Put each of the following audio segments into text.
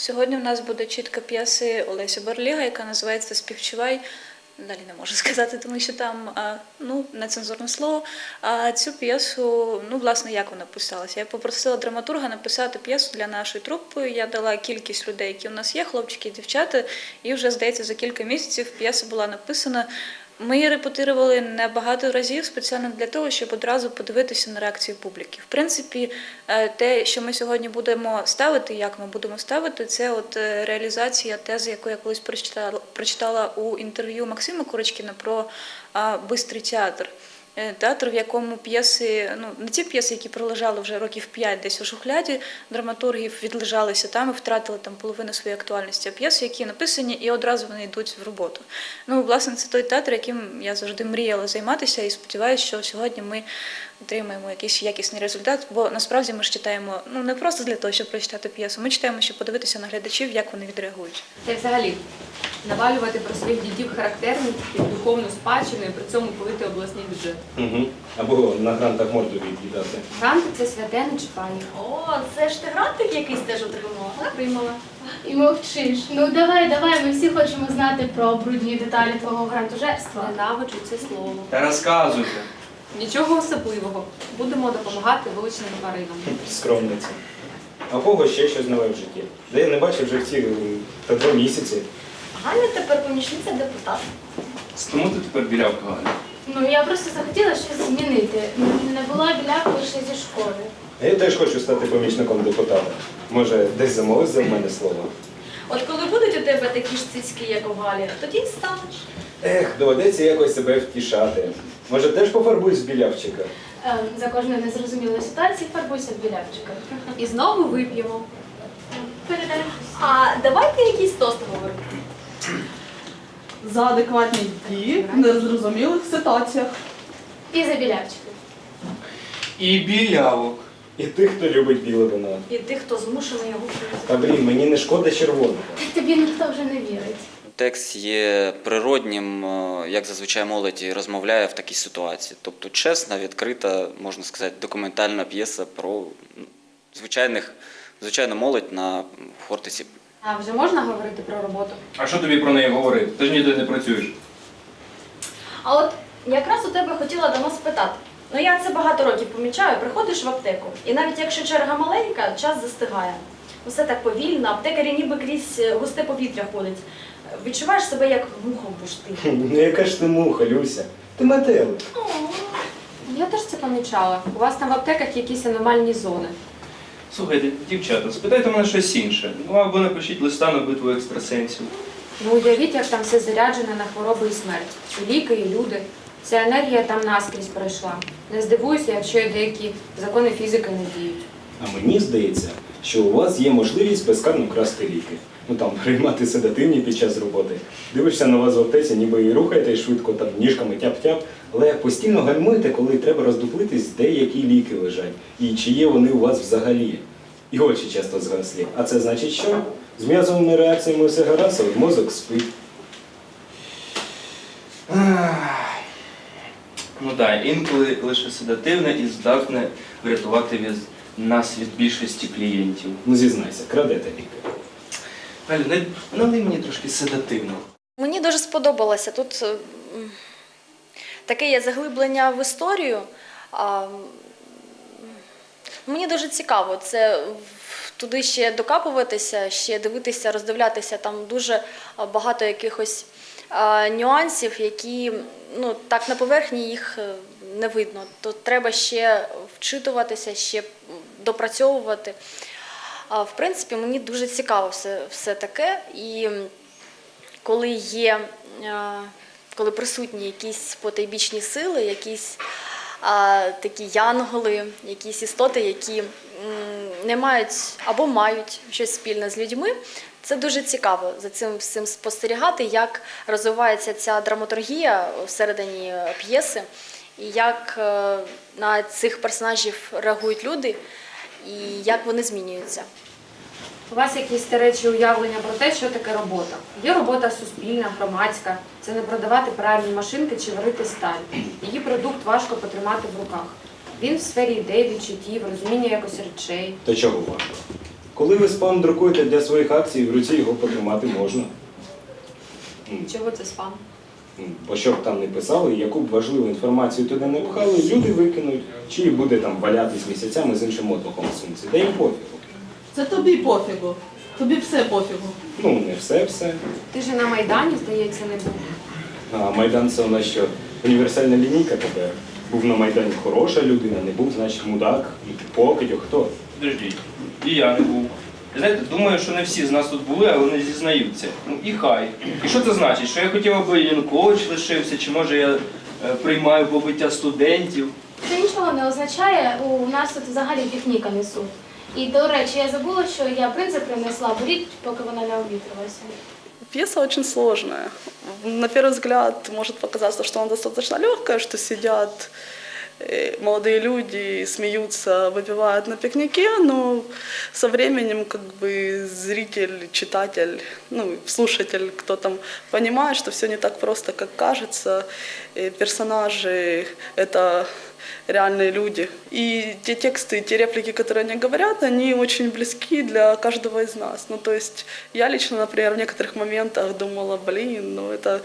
Сьогодні в нас буде чітка п'єси Олеся Барліга, яка називається «Співчувай». Далі не можу сказати, тому що там нецензурне слово. А цю п'єсу, власне, як вона писалася? Я попросила драматурга написати п'єсу для нашої трупи. Я дала кількість людей, які у нас є, хлопчики і дівчата, і вже, здається, за кілька місяців п'єса була написана. Ми її репетирували небагато разів спеціально для того, щоб одразу подивитися на реакцію публіки. В принципі, те, що ми сьогодні будемо ставити, як ми будемо ставити, це реалізація тези, яку я колись прочитала у інтерв'ю Максима Курочкіна про «Бистрий театр». Театр, в якому п'єси, не ті п'єси, які пролежали вже років 5 десь у шухляді, драматургів відлежалися там і втратили там половину своєї актуальності, а п'єси, які написані і одразу вони йдуть в роботу. Власне, це той театр, яким я завжди мріяла займатися і сподіваюся, що сьогодні ми отримаємо якийсь якісний результат, бо насправді ми ж читаємо не просто для того, щоб прочитати п'єсу, ми читаємо, щоб подивитися на глядачів, як вони відреагують. Та й взагалі навалювати про своїх дідів характерників, духовну спадщину і при цьому пилити обласний бюджет. Або на грантах морду від'їдати. Гранти – це святе, не чіпання. О, це ж ти грантик якийсь теж отримала? Отримала. І мовчиш. Давай, ми всі хочемо знати про брудні деталі твого грантожерства. Ненавиджу це слово. Та розказуйте. Нічого особливого. Будемо допомагати вилученим тваринам. Скромниця. А у кого ще щось нове в житті? Де я не бачив вже ці 2 місяці. Ганя тепер помічниця депутата. Тому ти тепер білявка, Галя? Я просто захотіла щось змінити. Не була білявкою ще зі школи. А я теж хочу стати помічником депутата. Може, десь замовиш за мене слово? От коли будуть у тебе такі ж цицьки, як у Галі, тоді й станеш. Доведеться якось себе втішати. Може, теж пофарбуюсь в білявчика? За кожної незрозумілої ситуації фарбуйся в білявчика. І знову вип'ємо. Передай. А давайте якийсь тост говоримо. За адекватні дії в незрозумілих ситуаціях. І за білявчика. І білявок. І тих, хто любить біле вино. І тих, хто змушений його пити. Та мені не шкода червоного. Тобі ніхто вже не вірить. Текст є природнім, як зазвичай молодь розмовляє в такій ситуації. Тобто чесна, відкрита, можна сказати, документальна п'єса про звичайну молодь на Хортиці. А вже можна говорити про роботу? А що тобі про неї говорити? Ти ж ніде не працюєш. А от якраз у тебе хотіла давно спитати. Я це багато років помічаю, приходиш в аптеку, і навіть якщо черга маленька, час застигає. Все так повільно, аптекарі ніби крізь густе повітря ходять. Відчуваєш себе як муха в бурштині. Яка ж ти муха, Люся? Ти метелик. Я теж це помічала. У вас там в аптеках якісь аномальні зони. Слухайте, дівчата, спитайте мене щось інше. Або напишіть листа на битву екстрасенсів. Уявіть, як там все заряджено на хвороби і смерть. І ліки, і люди. Ця енергія там наскрізь пройшла. Не здивуюся, якщо і деякі закони фізики не діють. А мені здається, що у вас є можливість безкарно красти ліки. Приймати седативні під час роботи. Дивишся на вас в аптеці, ніби і рухаєте швидко, ніжками тяп-тяп, але постійно гальмуєте, коли треба роздуплитись, де які ліки лежать, і чи є вони у вас взагалі. І очі часто згаслі. А це значить що? З м'язовими реакціями все гаразд, а мозок спить. Інколи лише седативне і здатне врятувати нас від більшості клієнтів. Зізнайся, крадете ліки. Галю, налий мені трошки седативного. Мені дуже сподобалося. Тут таке є заглиблення в історію. Мені дуже цікаво туди ще докапуватися, ще дивитися, роздивлятися. Там дуже багато якихось нюансів, які так на поверхні їх не видно. То треба ще вчитуватися, ще допрацьовувати. В принципі, мені дуже цікаво все таке. І коли присутні якісь потойбічні сили, якісь такі янголи, якісь істоти, які не мають або мають щось спільне з людьми, це дуже цікаво за цим спостерігати, як розвивається ця драматургія всередині п'єси, і як на цих персонажів реагують люди, і як вони змінюються. У вас якісь старечі уявлення про те, що таке робота. Є робота суспільна, громадська. Це не продавати пральні машинки чи варити сталь. Її продукт важко потримати в руках. Він в сфері ідей, відчуттів, розуміння якось речей. То чого важко? Коли ви спам друкуєте для своїх акцій, в руці його потримати можна. Чого це спам? Бо що б там не писали, яку б важливу інформацію туди не пхали, люди викинуть, чи буде там валятись місяцями з іншим отвохом у сумці. Та їм пофігу. Це тобі пофігу. Тобі все пофігу. Ну, не все. Ти ж на Майдані, здається, не був. А Майдан це у нас що, універсальна лінійка тепер? Був на Майдані хороша людина, не був, значить, мудак, покидьок, хто? Подождіть, і я не був. Знаєте, думаю, що не всі з нас тут були, але не зізнаються. Ну і хай. І що це значить? Що я хотів, аби Янукович лишився, чи може я приймаю побиття студентів? Це нічого не означає, у нас тут взагалі пікніка несуть. І, до речі, я забула, що я принцип принесла, беріть, поки вона не обвітрилася. Пьеса очень сложная. На первый взгляд может показаться, что она достаточно легкая, что сидят молодые люди, смеются, выпивают на пикнике, но со временем как бы зритель, читатель, ну, слушатель, кто там понимает, что все не так просто, как кажется. И персонажи — это реальные люди. И те тексты, те реплики, которые они говорят, они очень близки для каждого из нас. Ну, то есть я лично, например, в некоторых моментах думала, ну это...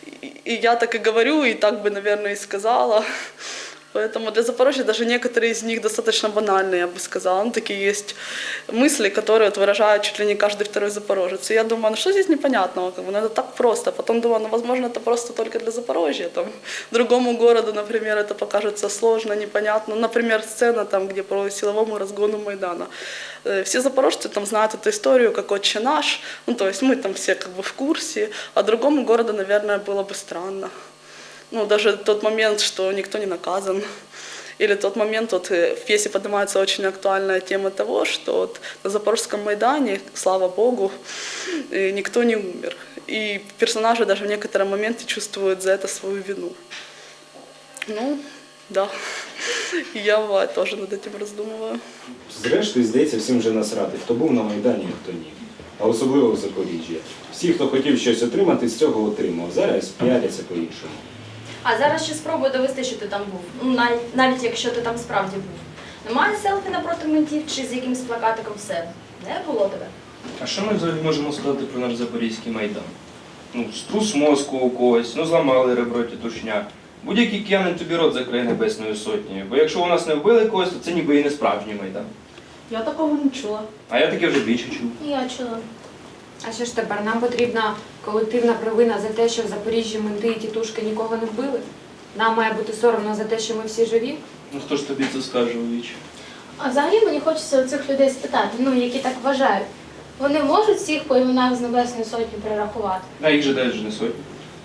И я так и говорю, и так бы, наверное, и сказала. Поэтому для Запорожья даже некоторые из них достаточно банальные, я бы сказала. Ну, такие есть мысли, которые вот выражают чуть ли не каждый второй запорожец. И я думаю, ну что здесь непонятного? Как бы, ну, это так просто. Потом думаю, ну, возможно, это просто только для Запорожья. Там, другому городу, например, это покажется сложно, непонятно. Например, сцена, там, где по силовому разгону Майдана. Все запорожцы там знают эту историю, как «Отче наш». Ну, то есть мы там все как бы в курсе. А другому городу, наверное, было бы странно. Ну, даже тот момент, что никто не наказан. Или тот момент, вот в пьесе поднимается очень актуальная тема того, что вот на Запорожском Майдане, слава Богу, никто не умер. И персонажи даже в некотором моменте чувствуют за это свою вину. Ну, да. І я бывает теж над этим роздумуваю. Зрештою, здається, всім вже насрати, хто був на Майдані, а хто ні. А особливо в Запоріжжі. Всі, хто хотів щось отримати, з цього отримав. Зараз піаряться по-іншому. А зараз ще спробуй довести, що ти там був. Ну, навіть якщо ти там справді був. Немає селфі напроти ментів чи з якимось плакатиком все. Не було тебе. А що ми взагалі можемо сказати про наш Запорізький Майдан? Ну, струс мозку у когось, ну зламали ребро тітушня. Будь-який киянин тобі рот закриє Небесною Сотнею. Бо якщо у нас не вбили когось, то це ніби і не справжній Майдан. Я такого не чула. А я таке вже більше чув. Я чула. А що ж тепер? Нам потрібна колективна провина за те, що в Запоріжжі менти і тітушки нікого не вбили? Нам має бути соромно за те, що ми всі живі? Ну хто ж тобі це скаже у віч? А взагалі мені хочеться у цих людей спитати, ну, які так вважають. Вони можуть всіх по іменах з Небесної Сотні перерахувати? А їх же дають же не сотні.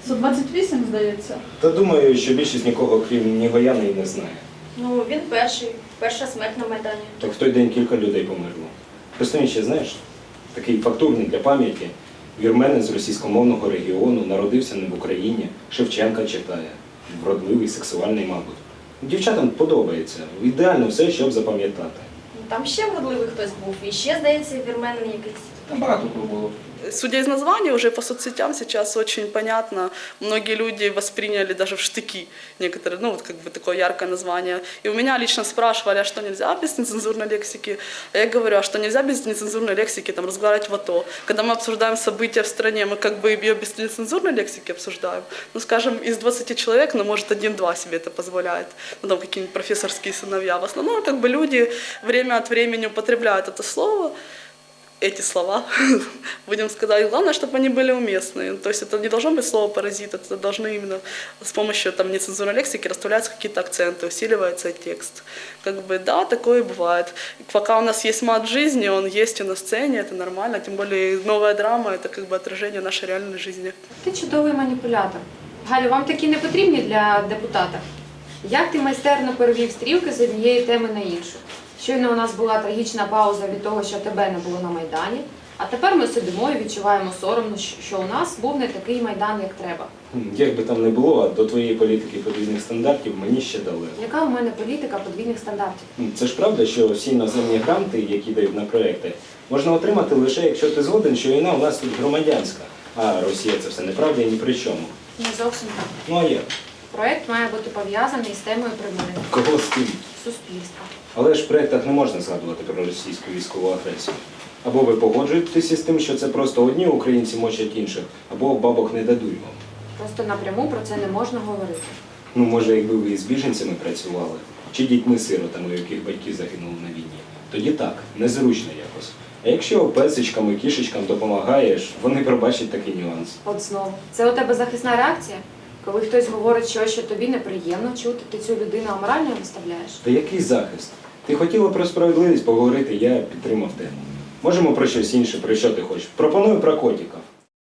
128, здається. Та думаю, що більшість нікого, крім Нігояна, і не знає. Ну, він перша смерть на Майдані. Так в той день кілька людей померло. Просто він ще, знаєш, такий фактурний для пам'яті. Вірменин з російськомовного регіону народився не в Україні, Шевченка читає. Вродливий, сексуальний, мабуть. Дівчатам подобається. Ідеально все, щоб запам'ятати. Там ще вродливий хтось був. І ще, здається, вірменин якийсь. Там багато кого було. Судя из названия, уже по соцсетям сейчас очень понятно, многие люди восприняли даже в штыки некоторые, ну вот как бы такое яркое название. И у меня лично спрашивали, а что нельзя без нецензурной лексики? А я говорю, а что нельзя без нецензурной лексики там разговаривать в АТО? Когда мы обсуждаем события в стране, мы как бы ее без нецензурной лексики обсуждаем. Ну, скажем, из 20 человек, ну, может, 1-2 себе это позволяет. Ну, там какие-нибудь профессорские сыновья. В основном, как бы люди время от времени употребляют это слово, эти слова, будем сказать. Главное, чтобы они были уместные. То есть это не должно быть слово «паразит», это должны именно с помощью там, нецензурной лексики расставляться какие-то акценты, усиливается текст. Как бы, да, такое бывает. Пока у нас есть мат в жизни, он есть и на сцене, это нормально. Тем более новая драма – это как бы отражение нашей реальной жизни. Ти чудовий маніпулятор. Галю, вам такі не потрібні для депутата? Як ти майстерно перевів стрілки з однієї теми на іншу? Щойно у нас була трагічна пауза від того, що тебе не було на Майдані, а тепер ми сидимо і відчуваємо соромно, що у нас був не такий Майдан, як треба. Як би там не було, а до твоєї політики подвійних стандартів мені ще далеко. Яка у мене політика подвійних стандартів? Це ж правда, що всі іноземні гранти, які дають на проекти, можна отримати лише, якщо ти згоден, що війна у нас тут громадянська. А Росія це все неправда і ні при чому. Не зовсім так. Ну а як? Проект має бути пов'язаний з темою примирення Кого з ким? суспільства. Але ж в проєктах не можна згадувати про російську військову агресію. Або ви погоджуєтеся з тим, що це просто одні українці мочать інших, або бабок не дадуть вам. Просто напряму про це не можна говорити. Ну, може, якби ви із біженцями працювали, чи дітьми-сиротами, у яких батьки загинули на війні, тоді так, незручно якось. А якщо песичкам і кішечкам допомагаєш, вони пробачать такий нюанс. От знову. Це у тебе захисна реакція? Коли хтось говорить щось, що тобі неприємно чути, ти цю людину аморально виставляєш? Та який захист? Ти хотіла про справедливість поговорити, я підтримав тему. Можемо про щось інше, про що ти хочеш? Пропоную про котиків.